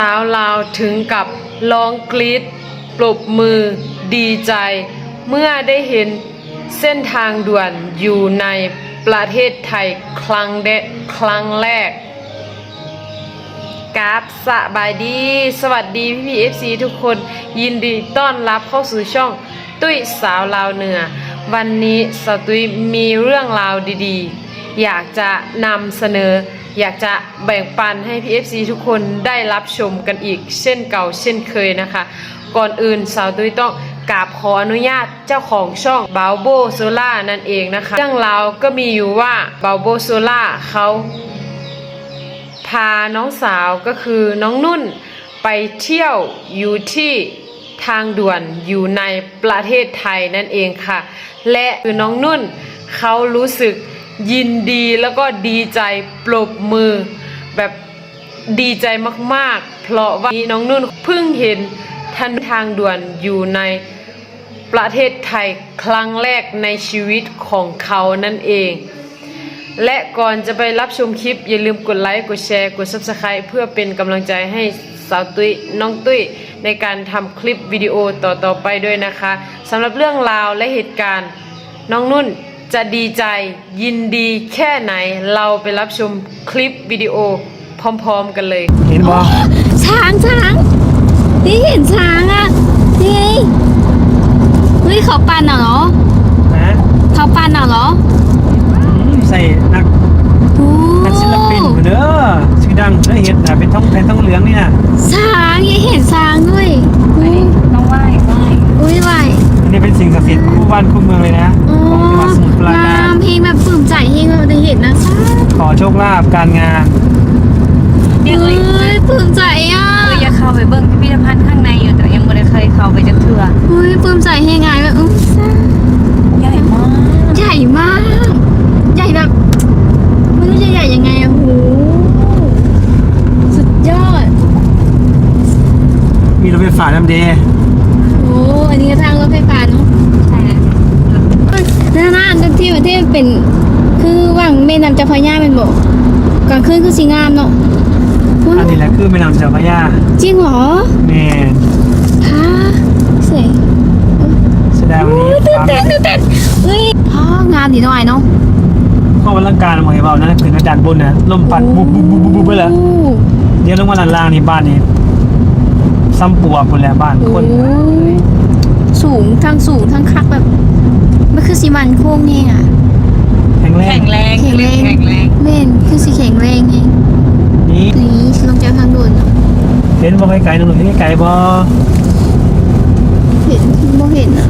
สาวลาวถึงกับร้องกรี๊ดปรบมือดีใจเมื่อได้เห็นเส้นทางด่วนอยู่ในประเทศไทยครั้งแรกกราบสบายดีสวัสดีพี่ๆ FC ทุกคนยินดีต้อนรับเข้าสู่ช่องตุ้ยสาวลาวเหนือวันนี้สาวตุ้ยมีเรื่องราวดีๆอยากจะนำเสนออยากจะแบ่งปันให้พี่ FC ทุกคนได้รับชมกันอีกเช่นเก่าเช่นเคยนะคะก่อนอื่นสาวตุ้ยต้องกราบขออนุญาตเจ้าของช่องบาวโบโซล่านั่นเองนะคะเรื่องราวก็มีอยู่ว่าบาวโบโซล่าเขาพาน้องสาวก็คือน้องนุ่นไปเที่ยวอยู่ที่ทางด่วนอยู่ในประเทศไทยนั่นเองค่ะและคือน้องนุ่นเขารู้สึกยินดีแล้วก็ดีใจปรบมือแบบดีใจมากๆเพราะว่าน้องนุ่นเพิ่งเห็นทางด่วนอยู่ในประเทศไทยครั้งแรกในชีวิตของเขานั่นเองและก่อนจะไปรับชมคลิปอย่าลืมกดไลค์กดแชร์กด Subscribe เพื่อเป็นกำลังใจให้สาวตุ้ยน้องตุ้ยในการทำคลิปวิดีโอต่อไปด้วยนะคะสำหรับเรื่องราวและเหตุการณ์น้องนุ่นจะดีใจยินดีแค่ไหนเราไปรับชมคลิปวิดีโอพร้อมๆกันเลยเห็นบ่ช้างนี่เห็นช้างอ่ะนี่ไงเฮ้ยเขาปั่นเหรอนะเขาปั่นเหรอใส่นักศิลปินเด้อชื่อดังเด้อเห็นแต่เป็นท้องเหลืองนี่นะช้างยังเห็นช้างด้วยต้องไหว้อุ้ยไหวอันนี้เป็นสิ่งศักดิ์สิทธิ์คู่บ้านคู่เมืองเลยนะของจังหวัดสมุทรปราการเพลงแบบปลื้มใจเพลงเราได้เห็นนะขอโชคลาภการงานเฮ้ยปลื้มใจอ่ะอยากเข้าไปเบิ่งพิพิธภัณฑ์ข้างในอยู่แต่ยังไม่ได้เคยเข้าไปจักเทื่อเฮ้ยปลื้มใจให้ไงแบบใหญ่มากใหญ่มากใหญ่แบบไม่รู้จะใหญ่ยังไงอ่ะโหสุดยอดมีรถไฟฟ้าน้ำเดย์โอ้อันนี้ก็ทางรถไฟฟ้าเนาะใช่น่าที่ประเทศเป็นคือว่างแม่น้ำเจ้าพระยาเป็นบอกกลางคืนคือสีงามเนาะอันนี้แหละคือแม่น้ำเจ้าพระยาจริงเหรอแม่ฮะสวยแสดงวันนี้ตื่นเต้นเฮ้ยงามดีหน่อยเนาะข้อวัลังการมองเห็นเปล่านะขึ้นกระดานบนนะลมพัดบุบไปเลยเดี๋ยวลงมาล่างนี่บ้านนี่ซ้ำปัวคนแล้วบ้านคนสูงทั้งคักแบบมันคือสีมันโค้งเองอ่ะแข็งแรงเม่นคือสีแข็งแรงเองนี่ลงจากทางด่วนเห็นบ่ไกลๆหนุ่มๆไกลๆบ่เห็นบ่เห็นอ่ะ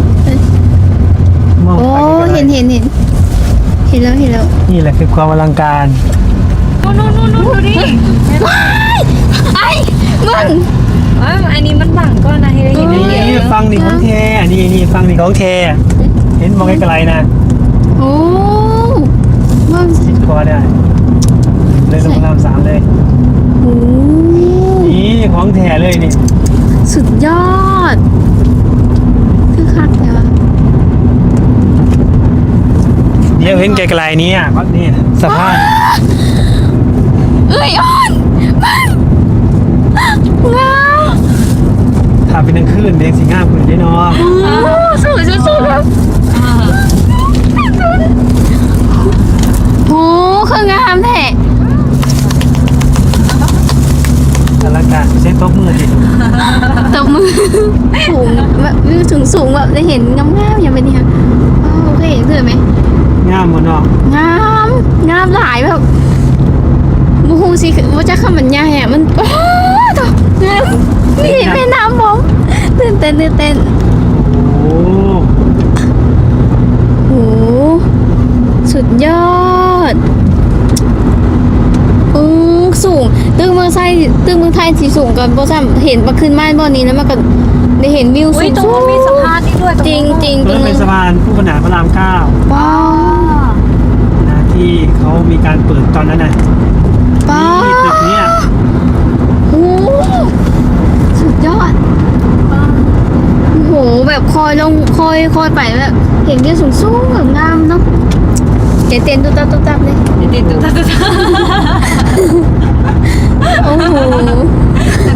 โอ้เห็นแล้วนี่แหละคือความอลังการนู่นดูดิไอ้มึงอันนี้มันบังก็นะให้ได้เห็นนี่ฟังนี่ของแท้นี่ฟังนี่ของแท้เห็นบ่ไกลๆนะโอ้มึงจิตคอได้เลยลงน้ำ3เลยโอ้นี่ของแท้เลยนี่สุดยอดคือคักเลยว่ะเดี๋ยวเห็นไกลๆนี้อ่ะก็นี่สะพานเอ้ยอ่อนมันงามถ้าเป็นกลางคืนเด็กสีงามคุณได้เนาะสวยสุดๆครับโอ้คืองามแท้อลังการใช้ตบมือดิตบมือสูงแบบวิวสูงแบบได้เห็นงามอย่างเป็นนี่ค่ะโอเคเห็นเพื่อไหมงามหมดเนาะงามหลายแบบมูฮูสิว่าจะขมันใหญ่อะมันโอ้ตงามนี่แม่น้ำผมตื่นเต้นโอ้สุดยอดสูงตึ้งเมืองไทยสีสูงกันเพราะเห็นมาขึ้นม่านบ่อนี้แล้วมันก็ได้เห็นวิวสูงตรงมีสะพานนี่ด้วยจริงตรงเป็นสะพานคู่ขนานพระราม9 ว้าวนะที่เขามีการเปิดตอนนั้นนะนี่ตึกนี้โอ้สุดยอดโอ้โหแบบคอยไปแบบเห็นวิวสูงแบบงามเนาะเต้นตุ๊บเลยเต้นตุ๊บโอ้โห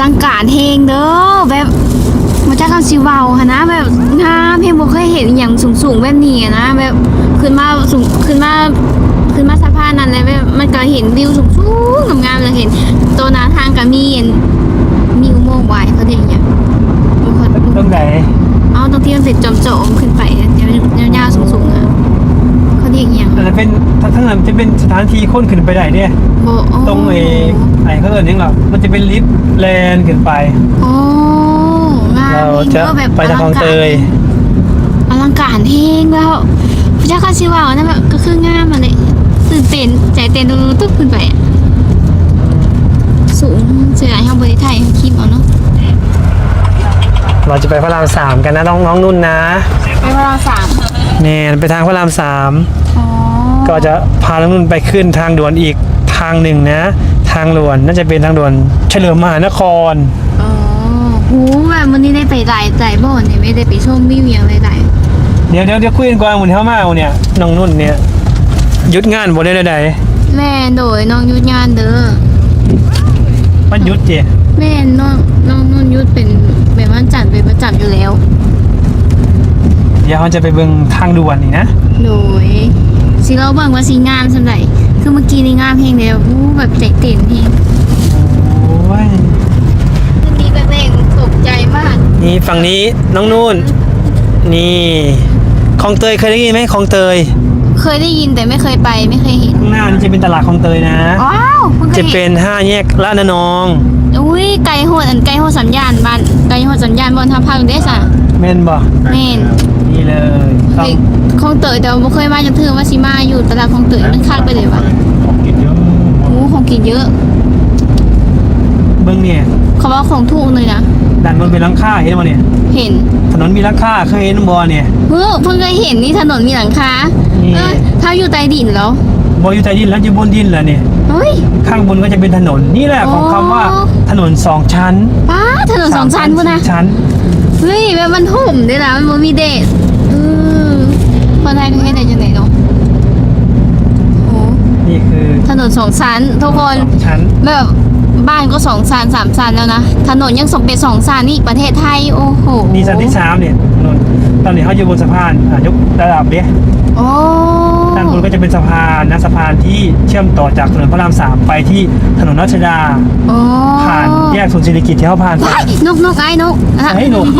ลังการเฮงเด้อแบบมาจากคำซิวาหะนะแบบงามเพียงบ่เคยเห็นอย่างสูงๆแบบนี้อะนะแบบขึ้นมาสูงขึ้นมาสะพานนั้นเลยแบบมันก็เห็นวิวสูงๆงามๆเลยเห็นตัวหน้าทางก็มีอุโมงค์ไว้เขาเรียกอย่างเงี้ยตรงไหนเอาตรงที่มันเป็นจอมๆขึ้นไปยาวๆสูงๆอ่ะเขาเรียกอย่างแต่เป็นทั้งนั้นจะเป็นสถานที่คนขึ้นไปได้เนี่ยโบโอ้ตรงไอ้เขาเอิ้นหยังหรอมันจะเป็นลิฟต์แลนขึ้นไปโอ้งามเราจะแบบไปทางคลองเตยอลังการเฮงแล้วพระเจ้าข้าชิวานั่นแบบก็คืองามมาเลยตื่นเต้นใจเต้นตุ๊บขึ้นไปอะสูงเสียดายทางบริไทยคลิปเอาเนาะเราจะไปพระราม3กันนะน้องนุ่นนะไปพระรามสามเนี่ยไปทางพระรามอ๋อ 3ก็จะพาน้องนุ่นไปขึ้นทางด่วนอีกทางหนึ่งนะ ทางด่วนน่าจะเป็นทางด่วนเฉลิมมหานครอ๋อหูแบบวันนี้ได้ไปหลายบ่อนเนี่ยไม่ได้ไปชมวิวอย่างหลายเดี๋ยวคุยกันก่อนหมุนเข้ามาเนี่ยน้องนุ่นเนี่ยหยุดงานบ่ได้ใดๆแม่โดยน้องยุทธงานเด้อๆมันหยุดเจแม่น้องนุ่นยุทธเป็นแบบว่าจัดเป็นประจำอยู่แล้วเดี๋ยวเราจะไปเบิ่งทางด่วนนี่นะโดยสิเราเบิ่งว่าสีงามสำหรับคือเมื่อกี้นี่งามเพลงเดียวอู้แบบใจเต้นเพลงโอ้ยคืนนี้แบบเพลงตกใจมากนี่ฝั่งนี้น้องนุ่นนี่คลองเตยเคยได้ยินไหมคลองเตยเคยได้ยินแต่ไม่เคยไปไม่เคยเห็นข้างหน้านี่จะเป็นตลาดคลองเตยนะว้าวเพิ่งเคจะยเป็เห็นน5 แยกละนองอุ้ยไกลโหดไกลโหดสัญญาณบ้านไกลโหดสัญญาณบนทับพังเด้สะแม่นบ่แม่นนี่เลยต้องเฮ้ยคลองเตยแต่ว่าบ่เคยมาจนถึงว่าสิมาอยู่ตลาดคลองเตยมันคักไปเลยวะของกินเยอะโอ้ของกินเยอะเบิ่งเนี่ยเขาว่าของถูกเลยนะด้านบนเป็นหลังคาเห็นบ่เนี่ยเห็นถนนมีหลังคาเคยเห็นบ่เนี่ยเพิ่งเคยเห็นนี่ถนนมีหลังคานี่ถ้าอยู่ใต้ดินแล้วบ่อยู่ใต้ดินแล้วอยู่บนดินแล้วเนี่ยเฮ้ยข้างบนก็จะเป็นถนนนี่แหละของคำว่าอ๋อถนน2 ชั้นป้าถนนสองชั้นพุ่นนะ 3 ชั้นเฮ้ยแบบมันห่มด้วยนะมันบ่มีเดทคนไทยเขาเฮ็ดได้จังไดเนาะโอ้นี่คือถนนสองชั้นทุกคน 2 ชั้นแบบบ้านก็2 ชั้น 3 ชั้นแล้วนะถนนยังสมเป็น2 ชั้นนี่ประเทศไทยโอ้โหนี่ชั้นที่3เนี่ยถนนตอนนี้เขาอยู่บนสะพานยกระดับเด้โอ้ด้านบนก็จะเป็นสะพานนะสะพานที่เชื่อมต่อจากถนนพระราม3ไปที่ถนนรัชดาโอ้ผ่านแยกศูนย์เศรษฐกิจที่เขาผ่านไปว้ายนกไอ้นกอ่ะเฮ้ยนก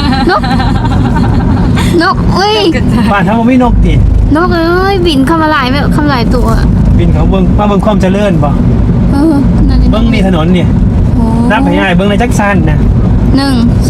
นกอุ้ยผ่านทั้งไม่นกตินกเอ้ยบินเข้ามาหลายแบบเข้ามาหลายตัวบินเขาเบิ้งมาเบิ้งความเจริญบ่นั่นเบิ้งนี่ถนนเนี่ยโอ้นับให้ง่ายเบิ้งในจักสันนะ 1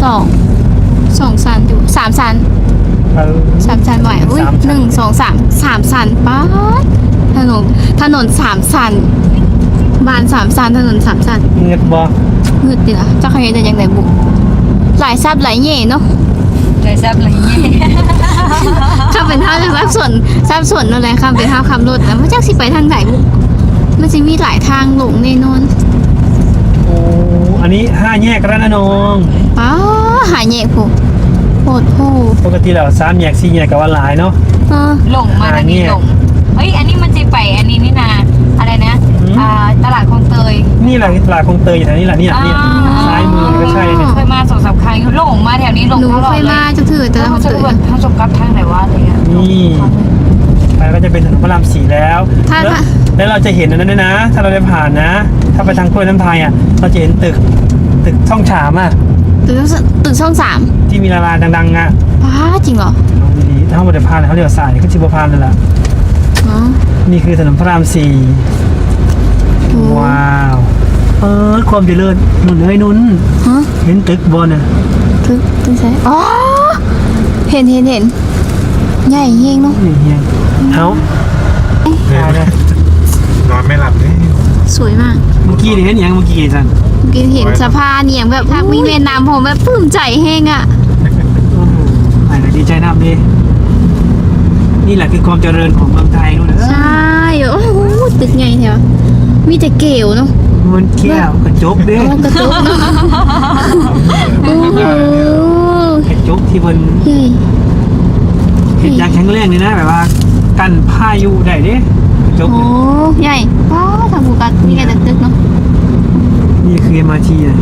2 ชั้นอยู่3 ชั้นเออ 3 ชั้นบ่อยอุ้ย 3 ชั้น 1 2 3 ชั้นป๊าดถนน3 ชั้นบ้าน3 ชั้นถนน3 ชั้นเงียบบ่มืดดิล่ะเจ้าใครจะยังไงบุกหลายซับหลายเย่เนาะใจแซ่บอะไรเงี้ยข้าเป็นเท่าจะทราบส่วนนั่นแหละข้าเป็นเท่าคำรถแล้วพระเจ้าสิไปทางไหนบุกมันจะมีหลายทางหลงแน่นอนโอ้อันนี้5 แยกระนองป้าหายเย่ผูโหดโหปกติแล้ว3 แยก4 แยกก็ว่าหลายเนาะหลงมาทางนี้หลงเฮ้ยอันนี้มันจะไปอันนี้นี่นาอะไรนะตลาดคลองเตยนี่แหละตลาดคลองเตยอยู่แถวนี้แหละเนี่ยซ้ายมือก็ใช่เนี่ยเคยมา2-3 ครั้งหลงมาแถวนี้หลงหนูตลอเคดยเลมาย จะถือแต่แล้วเรามันจะถือแบบทางจบกับทางไหนวะอะไรเงี้ยนี่ไปก็จะเป็นถนนพระราม4แล้ว แล้วเราจะเห็นอันนั้นด้วยนะ ถ้าเราได้ผ่านนะ ถ้าไปทางกล้วยน้ำไทยอ่ะเราจะเห็นตึกช่องฉามอ่ะตึกช่อง3 ที่มีดาราดังๆอ่ะป้าจริงเหรอลองดูดีถ้าเราได้ผ่านเขาเรียกว่าสายขึ้นชิบพานเลยล่ะอ๋อนี่คือถนนพระรามโอ้ 4ว้าวความเจริญนุ่นเอ้ยนุ่นฮะเห็นตึกบนอ่ะตึกใช่อ๋อเห็นใหญ่เฮงเนาะนี่เฮียเอาเอาเลยนอนไม่หลับเลยสวยมากเมื่อกี้นี่เห็นยังเมื่อกี้สันกินเห็นสะพานเนี่ยแบบทางวิ่งเวียนน้ำผมแบบปลื้มใจแห้งอ่ะโอ้โหไหนดีใจน้ำดินี่แหละคือความเจริญของเมืองไทยนู่นใช่โอ้โหตึกไงแถวมีแต่เกลวเนาะมันแก้วกระจกเด้โอ้กระตุกเนาะโอ้โหกระจกที่มันใหญ่เห็นอย่างแข็งแรงเลยนะแบบว่ากันพายุได้เด้กระจกโอ้เนี่ยใหญ่ว้าทางภูกัดมีแต่ตึกเนาะนี่คือ MRT อ่ะ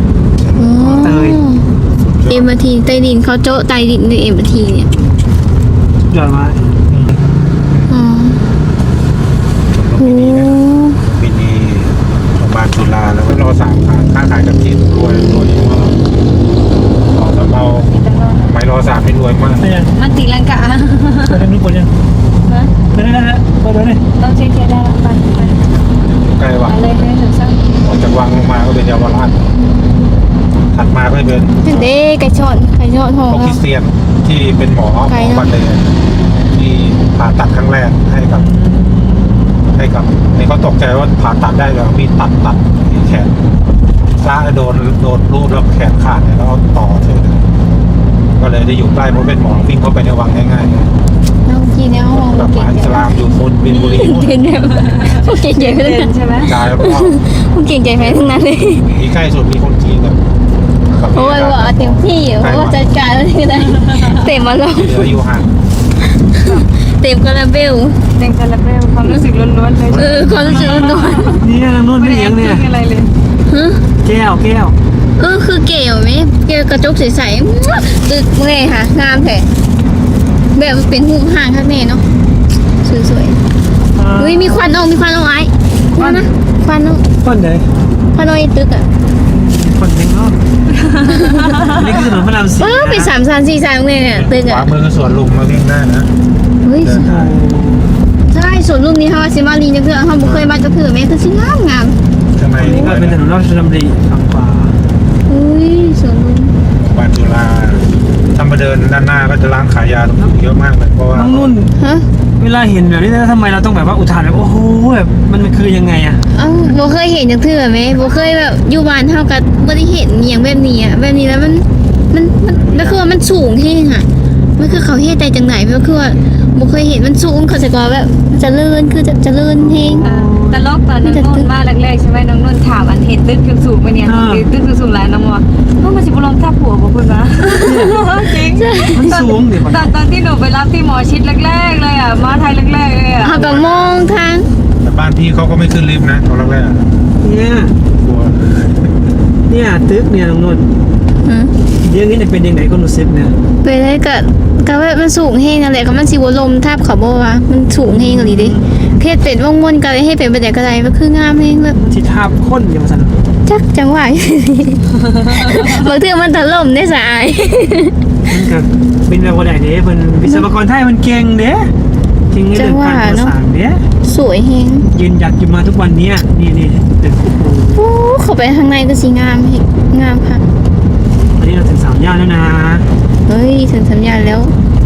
เตยเอ็มทีใต้ดินเขาโจ๊ะใต้ดินด้วยเอ็มทีเนี่ยยอดมากอ๋อชมรมโอ้ปีนี้นะปีนี้โรงพยาบาลจุฬาแล้วก็รอ3 ขาค้าขายกับจีนรวยมากต่อสำเภาไม่รอ3ไม่รวยมากไปยังมันตีลังกาไปได้นุ๊กคนยังฮะไปได้แล้วไปได้เลยต้องเช็คได้ละไปไปใกล้วังเลยเลยถึงซ้ำออกจากวังลงมาก็เป็นเยาวราชถัดมาก็เป็นเด้ไก่ชอนหอพวกคริสเตียนที่เป็นหมอไกลเนอะบันเลยที่ผ่าตัดครั้งแรกให้กับนี่เขาตกใจว่าผ่าตัดได้แล้วมีตัดแขนซ้ายโดนรูปแล้วแขนขาดเนี่ยแล้วต่อเฉยเลยก็เลยได้อยู่ใกล้เพราะเป็นหมอวิ่งเข้าไปในวังง่ายๆเลยน้องกินเนี่ยห้องแบบเก่มงหาอิสลามอยู่คนบินบุรีเก่งแบบพวกเก่งใหญ่ไปเลยใช่ไหมกลายแล้วก็พวกเก่งใหญ่ไปทั้งนั้นเลยมีใกล้สุดมีคนจีนกับโอ้ยว่าเต็มที่เพราะว่าจัดการแล้วที่ไหนเต็มมาลงเหลืออยู่ห่างเต็มคาราเบลเต็มคาราเบลความรู้สึกล้วนๆเลยความรู้สึกนวลนี่ทางนู้นไม่เลี้ยงเนี่ยอะไรเลยฮะแก้วคือเก๋ไหมเก๋กระจกใสๆตึกเลยค่ะงามแท้แบบเป็นหูห่างข้างในเนาะสวยๆอุ้ยมีควันออกไอ้นั่นนะควันออกคนไหนควันออกไอ้ตึกอ่ะคนยังรอบนี่คือถนนพระรามสี่เป็น3-4-3เลยเนี่ยตึกขอ่ะวามือคือสวนลุมมาวิ่งได้นะเฮ้ยเดินทางใช่ส่วนรูปนี้เขาซิมารีจังเถื่อเขาบ่เคยมาจังเถื่อแม่คือสิงามข้างในนี่นี่ก็ก็เป็เป็น นถนนราชดำริฝั่งขวาอุ้ยสวนลุมบ้านจุฬาถ้ามาเดินด้านหน้าก็จะร้านขายยาตรงนี้เยอะมากเลยเพราะว่าน้องนุ่นฮะเวลาเห็นแบบนี้แล้วทำไมเราต้องแบบว่าอุทานแบบโอ้โหแบบมันคือยังไงอะเอ้าบ่เคยเห็นจังเถื่อแม่บ่เคยแบบอยู่บ้านเฮาก็บ่ได้เห็นอหย่างแบบนี้อ่ะแบบนี้แล้วมันคือว่ามันสูงเท่งอ่ะมันคือเขาเฮ็ดได้จังไหนมันคือว่าบ่เคยเห็นมันสูงเขาจะก็แบบเจริญคือจะเจริญเท่งตลกตอนน้องนุ่นมาแรกๆใช่ไหมน้องนุ่นถามอันเห็นตึกสูงๆไหมเนี่ยตึกสูงๆหลายน้องว่าน้องมาสิบุลงทับหัวบอกคุณนะจริงมันสูงเดี๋ยวก่อนตอนที่หนูไปรับที่หมอชิดแรกๆเลยอ่ะมาไทยแรกๆเลยอ่ะเฮาก็มองทางแต่บ้านพี่เขาก็ไม่ขึ้นลิฟต์นะตอนแรกเนี่ยๆกลัวเนี่ยตึกเนี่ยน้องนุ่นฮะเรื่องนี้เป็นยังไงก็รู้สึกเนี่ยไปได้ก็แบบมันสูงเฮงนั่นแหละก็มันสิบ่ลมทับเขาบ่ว่ามันสูงเฮงอีหลีเด้เพศเป็นวงมนก็เลยให้เป็นไปได้ก็ได้มันคืองามเฮงแบบที่ทาบค้นอย่างสันจักจังหวะ บางเทื่อมันถล่มได้สายมันก็เป็นแบบว่าไหนเด้เป็นวิศวกรไทยมันเก่งเด้เก่งในเรื่องการก่อสร้างเด้สวยเฮงยืนหยัดอยู่มาทุกวันเนี้ยนี่ตึกโอ้โหโอ้เข้าไปข้างในก็สิงามเฮงงามค่ะตอนนี้เราถึง3 ย่านแล้วนะเฮ้ยถึงสัญญาณแล้ว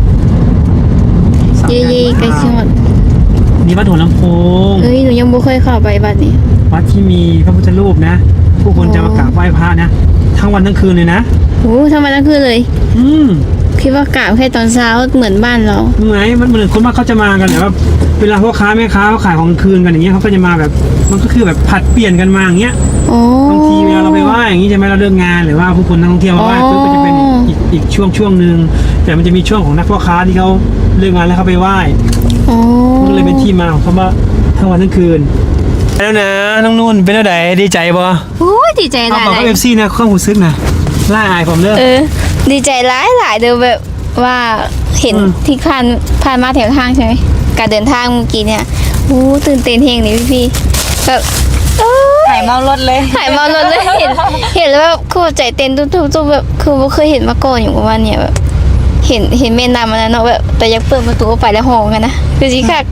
3 เย่ๆใกล้ชิดนี่วัดหัวลำโพงเอ้ยหนูยังบ่เคยเข้าไปบัดนี้วัดที่มีพระพุทธรูปนะ ผู้คนจะมากราบไหว้พระนะ ทั้งวันทั้งคืนเลยนะโอ้ทำไมทั้งคืนเลยอืมคิดว่ากะแค่ตอนเช้าเหมือนบ้านเราเหมือนมันเหมือนคนมากเขาจะมากันแบบว่าเวลาพ่อค้าแม่ค้าเขาขายของกลางคืนกันอย่างเงี้ยเขาก็จะมาแบบมันก็คือแบบผัดเปลี่ยนกันมาอย่างเงี้ยโอ้บางทีเวลาเราไปไหว้อย่างงี้ใช่ไหมเราเลิกงานหรือว่าผู้คนนักท่องเที่ยวมาไหว้ปุ๊บก็จะเป็นอีกช่วงหนึ่งแต่มันจะมีช่วงของนักพ่อค้าที่เขาเลิกงานแล้วเขาไปไหว้โอ้มันก็เลยเป็นที่มาของคำว่าทั้งวันทั้งคืนแล้วนะน้องนุ่นเป็นอะไรดีใจบ่โอ้ยดีใจหเอาลายบอกกับเอฟซีนะข้อหูซึกนะล่าอายผมเลิกดีใจหลายเด้อแบบว่าเห็นอืมที่ผ่านมาแถวทางใช่ไหมการเดินทางเมื่อกี้เนี่ยโอ้ตื่นเต้นเฮงนี่พี่ๆแบบเอ้ยหายเมารถเลยหายเมารถเลยเห็นแล้วแบบคือใจเต้นตุ้มๆแบบคือบ่เคยเห็นมาก่อนอยู่ประมาณเนี้ยแบบเห็นแม่น้ำมันนะเนาะแบบแต่อยากเปิดประตูออกไปแล้วห้องกันนะคือสิค่ะ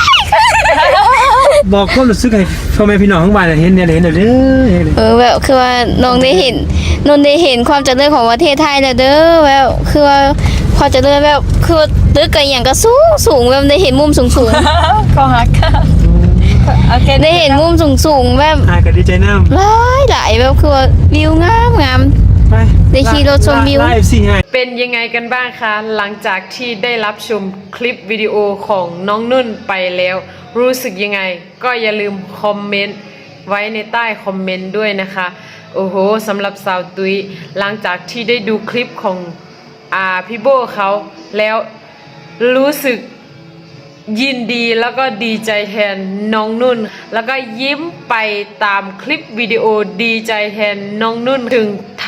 บอกความรู้สึกให้พ่อแม่พี่น้องทั้งบ้านเห็นเนี่ยเห็นเด้อแบบคือว่าน้องได้เห็นความเจริญของประเทศไทยแล้วเด้อแบบคือว่าความเจริญแบบคือตึกก็อย่างก็สูงแบบได้เห็นมุมสูงก็ฮักโอเคๆได้เห็นมุมสูงๆแบบอายก็ดีใจน้ำหลายแบบคือว่าวิวงามไปได้ขี่รถชมวิวไลฟ์สิให้เป็นยังไงกันบ้างคะ หลังจากที่ได้รับชมคลิปวิดีโอของน้องนุ่นไปแล้ว รู้สึกยังไง ก็อย่าลืมคอมเมนต์ไว้ในใต้คอมเมนต์ด้วยนะคะ โอ้โหสำหรับสาวตุ้ยหลังจากที่ได้ดูคลิปของพี่โบเขาแล้วรู้สึกยินดีแล้วก็ดีใจแทนน้องนุ่น แล้วก็ยิ้มไปตามคลิปวิดีโอดีใจแทนน้องนุ่นถึงท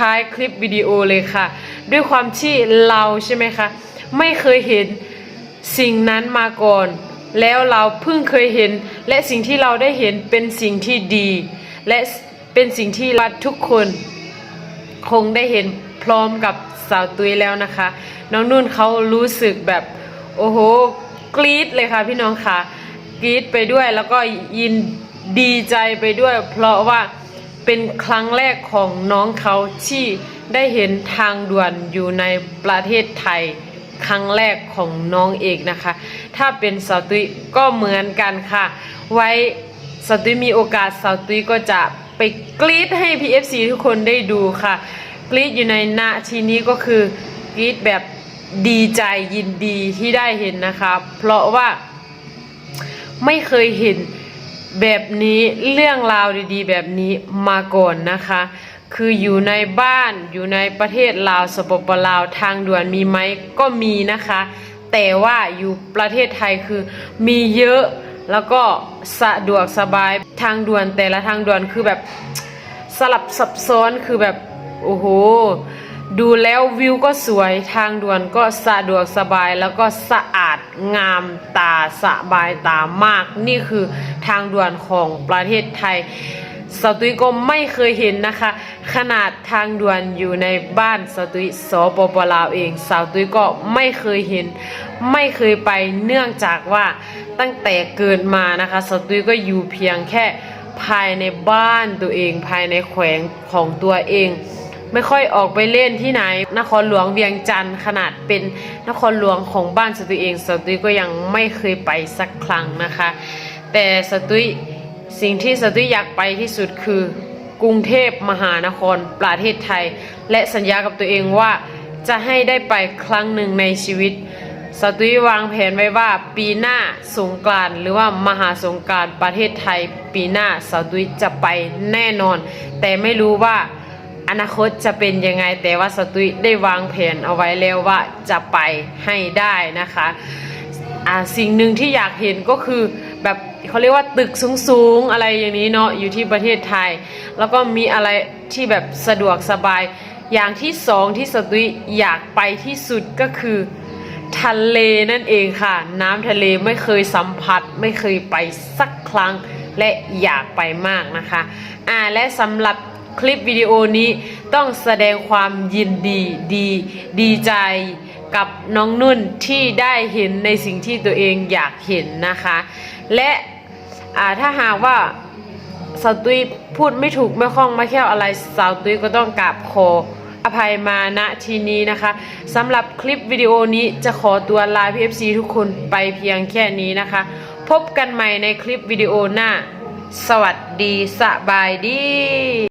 ท้ายคลิปวิดีโอเลยค่ะด้วยความที่เราใช่ไหมคะไม่เคยเห็นสิ่งนั้นมาก่อนแล้วเราเพิ่งเคยเห็นและสิ่งที่เราได้เห็นเป็นสิ่งที่ดีและเป็นสิ่งที่เราทุกคนคงได้เห็นพร้อมกับสาวตุ้ยแล้วนะคะน้องนุ่นเขารู้สึกแบบโอ้โหกรี๊ดเลยค่ะพี่น้องค่ะกรี๊ดไปด้วยแล้วก็ยินดีใจไปด้วยเพราะว่าเป็นครั้งแรกของน้องเขาที่ได้เห็นทางด่วนอยู่ในประเทศไทยครั้งแรกของน้องเอกนะคะถ้าเป็นสาวตุ้ยก็เหมือนกันค่ะไว้สาวตุ้ยมีโอกาสสาวตุ้ยก็จะไปกรี๊ดให้ PFC ทุกคนได้ดูค่ะกรี๊ดอยู่ในณทีนี้ก็คือกรี๊ดแบบดีใจยินดีที่ได้เห็นนะคะเพราะว่าไม่เคยเห็นแบบนี้เรื่องราวดีๆแบบนี้มาก่อนนะคะคืออยู่ในบ้านอยู่ในประเทศลาวสปปลาวทางด่วนมีไหมก็มีนะคะแต่ว่าอยู่ประเทศไทยคือมีเยอะแล้วก็สะดวกสบายทางด่วนแต่ละทางด่วนคือแบบสลับซับซ้อนคือแบบโอ้โหดูแล้ววิวก็สวยทางด่วนก็สะดวกสบายแล้วก็สะอาดงามตาสบายตามากนี่คือทางด่วนของประเทศไทยสาวตุ้ยก็ไม่เคยเห็นนะคะขนาดทางด่วนอยู่ในบ้านสาวตุ้ยสปปลาวเองสาวตุ้ยก็ไม่เคยเห็นไม่เคยไปเนื่องจากว่าตั้งแต่เกิดมานะคะสาวตุ้ยก็อยู่เพียงแค่ภายในบ้านตัวเองภายในแขวงของตัวเองไม่ค่อยออกไปเล่นที่ไหนนครหลวงเวียงจันทร์ขนาดเป็นนครหลวงของบ้านสาวตุ้ยเองสาวตุ้ยก็ยังไม่เคยไปสักครั้งนะคะแต่สาวตุ้ยสิ่งที่สาวตุ้ยอยากไปที่สุดคือกรุงเทพมหานครประเทศไทยและสัญญากับตัวเองว่าจะให้ได้ไปครั้งหนึ่งในชีวิตสาวตุ้ยวางแผนไว้ว่าปีหน้าสงกรานต์หรือว่ามหาสงกรานต์ประเทศไทยปีหน้าสาวตุ้ยจะไปแน่นอนแต่ไม่รู้ว่าอนาคตจะเป็นยังไงแต่ว่าสาวตุ้ยได้วางแผนเอาไว้แล้วว่าจะไปให้ได้นะคะสิ่งหนึ่งที่อยากเห็นก็คือแบบเขาเรียกว่าตึกสูงๆอะไรอย่างนี้เนาะอยู่ที่ประเทศไทยแล้วก็มีอะไรที่แบบสะดวกสบายอย่างที่สองที่สาวตุ้ยอยากไปที่สุดก็คือทะเลนั่นเองค่ะน้ำทะเลไม่เคยสัมผัสไม่เคยไปสักครั้งและอยากไปมากนะคะและสำหรับคลิปวิดีโอนี้ต้องแสดงความยินดีใจกับน้องนุ่นที่ได้เห็นในสิ่งที่ตัวเองอยากเห็นนะคะและถ้าหากว่าสาวตุ้ยพูดไม่ถูกไม่คล่องไม่แคล่วอะไรสาวตุ้ยก็ต้องกราบขออภัยมาณทีนี้นะคะสำหรับคลิปวิดีโอนี้จะขอตัวลา PFC ทุกคนไปเพียงแค่นี้นะคะพบกันใหม่ในคลิปวิดีโอหน้าสวัสดีสบายดี